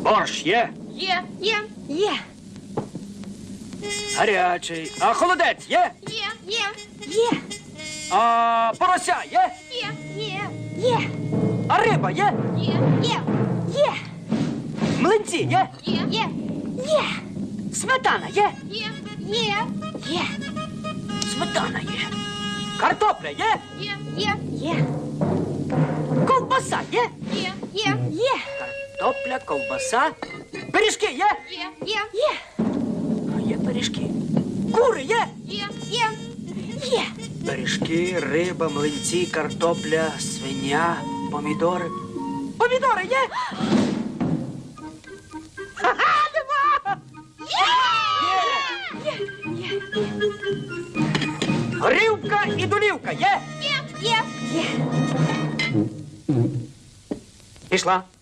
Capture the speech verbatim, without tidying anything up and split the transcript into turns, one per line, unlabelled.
Борщ є?
Є, є, є,
Гарячий. А холодець є?
є, є, є,
А порося є?
є, є, є,
А риба є?
є, є, є,
Млинці є?
є, є, є,
Сметана є?
є, є, є,
Сметана є. Картопля є?
є, є, є,
Ковбаса є?
є, є, є,
Картопля, ковбаса. Пиріжки є?
є, є, є,
А є пиріжки. Кури є?
є, є, є,
Пиріжки, риба, млинці, картопля, свиня, помідори. Помідори є? Ха-ха, нема! Є! Горілка і долівка є?
є, є, є.
Пішла.